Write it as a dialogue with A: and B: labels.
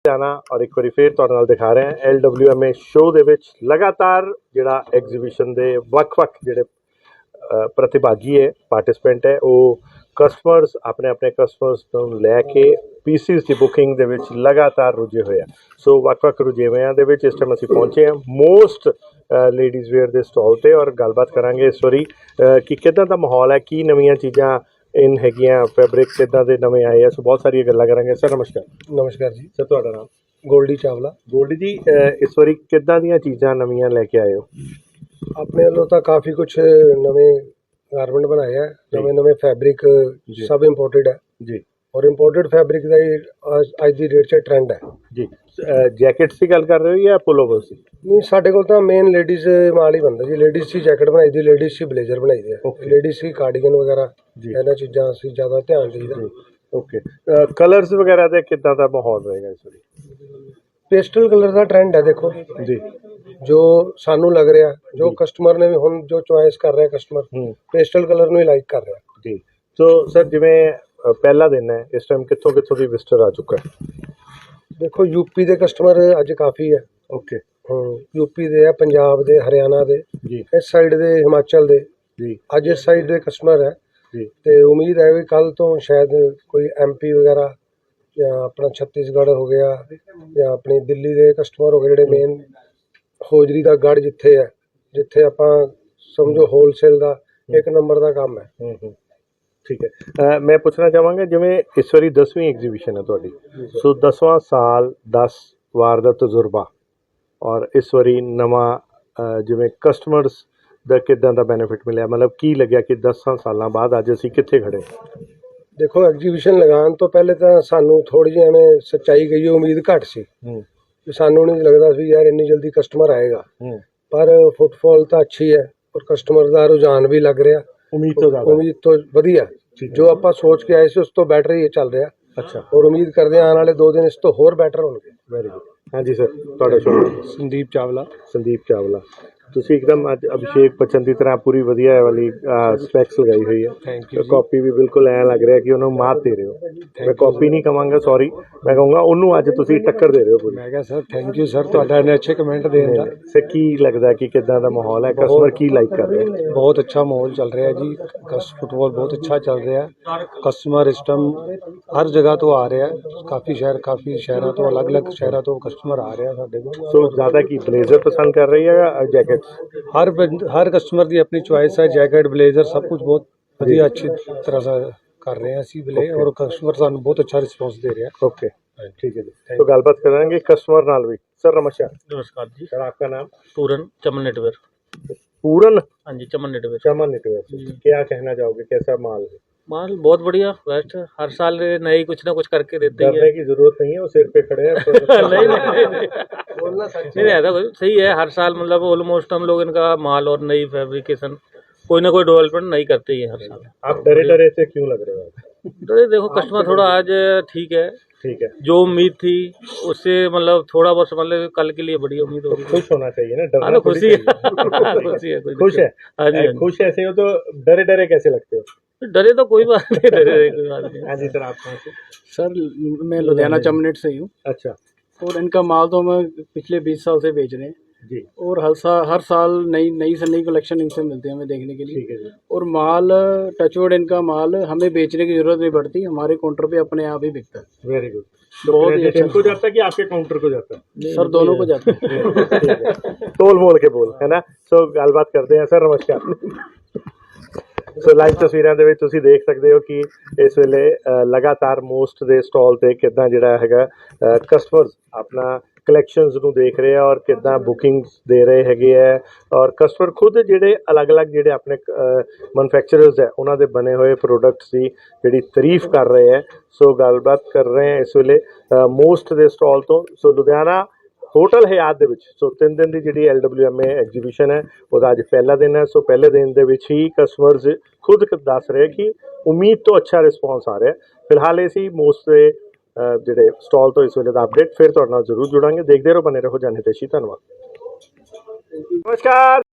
A: जाना और एक बार फिर तुहाडे नाल दिखा रहे हैं LWMA शो दे विच लगातार जिहड़ा एग्जीबिशन दे वक्-वक् जिहड़े प्रतिभागी है पार्टिसिपेंट है वो कस्टमर्स अपने अपने कस्टमर्स तो लैके पीसीस की बुकिंग दे विच लगातार रुझे हुए हैं। सो वक्-वक् रुझेवियां दे विच इस टाइम असीं पहुंचे हैं most ladies where they stall ते और गलबात करांगे इस वारी कि किदां दा माहौल है, की नवीआं चीज़ां इन हैगियां, फैब्रिक किदां दे नवे आए हैं। सो बहुत सारी गल्लां करांगे। सर नमस्कार।
B: नमस्कार जी।
A: सर तुहाडा नाम?
B: गोल्डी चावला।
A: गोल्डी जी इस वारी किदां दीयां चीज़ां नवीआं लैके आए हो?
B: अपने वालों तो काफ़ी कुछ नवे गारमेंट बनाए हैं, नवे नवे फैब्रिक सब इंपोर्टेड है
A: जी
B: और इंपोर्टेड फैब्रिक का ही अज की डेट से ट्रेंड है
A: जी। जैकेट्स की गल कर रहे हो या पुलोवर्स की?
B: नहीं, साढ़े को तो मेन लेडीज़ माल ही बनता जी। लेडीज़ की जैकेट बनाई दी, लेडीज़ की ब्लेजर बनाई दी है, लेडीज़ की कार्डिगन वगैरह इन्हां चीज़ां असीं ज़्यादा ध्यान देईदा।
A: ओके कलर्स वगैरह दे किदां दा माहौल रहेगा इस वारी?
B: पेस्टल कलर का ट्रेंड है देखो
A: जी
B: जो सानू लग रहा है, जो कस्टमर ने भी हुण जो चॉइस कर रहा है कस्टमर पेस्टल कलर नूं ही लाइक कर रहा है
A: जी। सो सर जिवें पहला दिन है इस टाइम कित्थों कित्थों दी विजिटर आ चुका है?
B: देखो यूपी के कस्टमर अज काफ़ी है।
A: ओके
B: यूपी दे है, पंजाब दे, हरियाणा दे,
A: जी
B: इस साइड दे, हिमाचल दे
A: जी
B: अज इस साइड दे कस्टमर है
A: जी।
B: ते उम्मीद है भी कल तो शायद कोई MP वगैरह या अपना छत्तीसगढ़ हो गया या अपनी दिल्ली दे कस्टमर हो गए जिहड़े मेन होजरी दा गढ़ जिथे है, जिथे आपां समझो होलसेल दा एक नंबर दा काम है।
A: ठीक है। मैं पूछना चाहांगा जिवें इस वारी 10वीं एग्जीबिशन है तुहाडी, सो 10वां साल 10 वार दा तजुर्बा और इस वारी नवा जिवें कस्टमर्स दा किदां दा बेनिफिट मिलिया, मतलब की लग्या कि 10 सालां बाद अज असीं कित्थे खड़े?
B: देखो एग्जीबिशन लगाने तो पहले तो सानू थोड़ी जी एवें सच्चाई गई उम्मीद घट सी, सानू नहीं लगता सी यार इन्नी जल्दी कस्टमर आएगा, पर फुटफॉल तो अच्छी है और कस्टमर का रुझान भी लग रहा, उम्मीद तो वधिया जो आप सोच के आए थे उस तो बैटर ही चल रहा।
A: अच्छा
B: और उम्मीद करते हैं आने वाले 2 दिन इस तो होर बैटर होंगे।
A: Very good. हाँ जी सर तुहाडा शुभ?
B: संदीप चावला।
A: संदीप चावला ਤੁਸੀਂ ਇੱਕਦਮ ਅੱਜ ਅਭਿਸ਼ੇਕ ਬੱਚਨ ਦੀ ਤਰ੍ਹਾਂ ਪੂਰੀ ਵਧੀਆ ਵਾਲੀ ਸਪੈਕਸ ਲਗਾਈ ਹੋਈ ਹੈ।
B: Thank you.
A: ਕਾਪੀ ਵੀ ਬਿਲਕੁਲ ਐਂ ਲੱਗ ਰਿਹਾ ਕਿ ਉਹਨੂੰ ਮਾਤ ਦੇ ਰਹੇ ਹੋ। ਮੈਂ ਕਾਪੀ ਨਹੀਂ ਕਵਾਂਗਾ, ਸੌਰੀ, ਮੈਂ ਕਹੂੰਗਾ ਉਹਨੂੰ ਅੱਜ ਤੁਸੀਂ ਟੱਕਰ ਦੇ ਰਹੇ ਹੋ ਪੂਰੀ।
B: ਮੈਂ ਕਿਹਾ ਸਰ ਥੈਂਕ ਯੂ ਸਰ ਤੁਹਾਡਾ ਇੰਨੇ ਅੱਛੇ ਕਮੈਂਟ ਦੇਣ ਦਾ।
A: ਸਰ ਕੀ ਲੱਗਦਾ ਕਿ ਕਿੱਦਾਂ ਦਾ ਮਾਹੌਲ ਹੈ, ਕਸਟਮਰ ਕੀ ਲਾਈਕ ਕਰ ਰਹੇ?
B: ਬਹੁਤ ਅੱਛਾ ਮਾਹੌਲ ਚੱਲ ਰਿਹਾ ਜੀ, ਫੁੱਟਬਾਲ ਬਹੁਤ ਅੱਛਾ ਚੱਲ ਰਿਹਾ, ਕਸਟਮਰ ਇਸ ਟਾਈਮ ਹਰ ਜਗ੍ਹਾ ਤੋਂ ਆ ਰਿਹਾ, ਕਾਫੀ ਸ਼ਹਿਰਾਂ ਤੋਂ ਅਲੱਗ-ਅਲੱਗ ਸ਼ਹਿਰਾਂ ਤੋਂ ਕਸਟਮਰ ਆ ਰਿਹਾ ਸਾਡੇ ਕੋਲ।
A: ਸੋ ਜ਼ਿਆਦਾ ਕੀ ਬਲੇਜ਼ਰ ਪਸੰਦ ਕਰ ਰਹੀ ਹੈ ਜਾਂ ਜੈਕਟਸ?
B: हर कस्टमर की अपनी चॉइस है, जैकेट ब्लेजर सब कुछ बहुत बढ़िया अच्छी तरह से कर रहे हैं असी ब्ले और कस्टमर सानू बहुत अच्छा रिस्पॉन्स दे रहे हैं।
A: ओके ठीक है जी। तो गलबात करेंगे कस्टमर नाल भी। सर नमस्कार।
C: नमस्कार जी।
A: सर आपका नाम?
C: पूरन, चमन नेटवेयर।
A: पूरन?
C: हाँ जी, चमन नेटवेयर।
A: चमन नेटवेयर। क्या कहना चाहोगे, कैसा माल है?
C: माल बहुत बढ़िया, बेस्ट। हर साल नई कुछ ना कुछ करके देते हैं।
A: डरने की जरूरत नहीं है, वो सिर पे खड़े हैं।
C: नहीं ऐसा सही है, हर साल मतलब ऑलमोस्ट हम लोग इनका माल और नई फैब्रिकेशन कोई ना कोई डेवलपमेंट नहीं करते ही है हर साल।
A: आप डरे से क्यों लग रहे हो?
C: डरे देखो कस्टमर थोड़ा आज ठीक है, जो उम्मीद थी उससे मतलब थोड़ा बहुत मतलब कल के लिए बड़ी उम्मीद हो रही है।
A: खुश होना चाहिए ना, डरना
C: तो खुशी है। खुशी है,
A: खुश है।
C: हाँ जी,
A: खुश ऐसे हो तो डरे कैसे लगते हो?
C: डरे तो कोई बात नहीं, डरे कोई बात नहीं।
A: हाँ जी सर आप कहाँ से?
D: सर मैं लुधियाना चमनेट से ही हूँ।
A: अच्छा।
D: और इनका माल तो हम पिछले 20 साल से बेच रहे हैं
A: जी।
D: और हर साल नई से नई कलेक्शन इनसे मिलते हैं हमें देखने के लिए।
A: ठीक है जी।
D: और माल टचवुड इनका माल हमें बेचने की जरूरत नहीं पड़ती, हमारे काउंटर पे अपने आप ही बिकता है।
A: Very good.
D: बहुत ही अच्छा।
A: इनको जाता है कि आपके काउंटर को जाता है?
D: सर दोनों को जाता है।
A: तोल मोल के बोल है ना। सो गलबात करते हैं। सर नमस्कार। सो लाइव तस्वीरां ਦੇ ਵਿੱਚ ਤੁਸੀਂ ਦੇਖ ਸਕਦੇ ਹੋ ਕਿ ਇਸ ਵੇਲੇ ਲਗਾਤਾਰ ਮੋਸਟ ਦੇ ਸਟਾਲ ਤੇ ਕਿੱਦਾਂ ਜਿਹੜਾ ਹੈਗਾ ਕਸਟਮਰਸ ਆਪਣਾ ਕਲੈਕਸ਼ਨਸ ਨੂੰ ਦੇਖ ਰਹੇ ਆ ਔਰ ਕਿੱਦਾਂ ਬੁਕਿੰਗਸ ਦੇ ਰਹੇ ਹੈਗੇ ਆ ਔਰ ਕਸਟਮਰ ਖੁਦ ਜਿਹੜੇ ਅਲੱਗ-ਅਲੱਗ ਜਿਹੜੇ ਆਪਣੇ ਮੈਨੂਫੈਕਚਰਰਸ ਹੈ ਉਹਨਾਂ ਦੇ ਬਣੇ ਹੋਏ ਪ੍ਰੋਡਕਟਸ ਦੀ ਜਿਹੜੀ ਤਾਰੀਫ ਕਰ ਰਹੇ ਹੈ। ਸੋ ਗੱਲਬਾਤ ਕਰ ਰਹੇ ਹਾਂ ਇਸ ਵੇਲੇ ਮੋਸਟ ਦੇ ਸਟਾਲ ਤੋਂ। ਸੋ ਲੁਧਿਆਣਾ होटल हयात दे विच सो 3 दिन की जी LWMA एग्जीबिशन है वह अज पहला दिन है। सो पहले दिन दे विच ही कस्टमर्स खुद दस रहे कि उम्मीद तो अच्छा रिस्पॉन्स आ रहा है। फिलहाल इसी मोस्ट के जोड़े स्टॉल तो इस वेले का अपडेट फिर तुहाडे नाल जरूर जुड़ांगे। देखते रहो, बने रहो जाने तेशी। धन्यवाद। नमस्कार।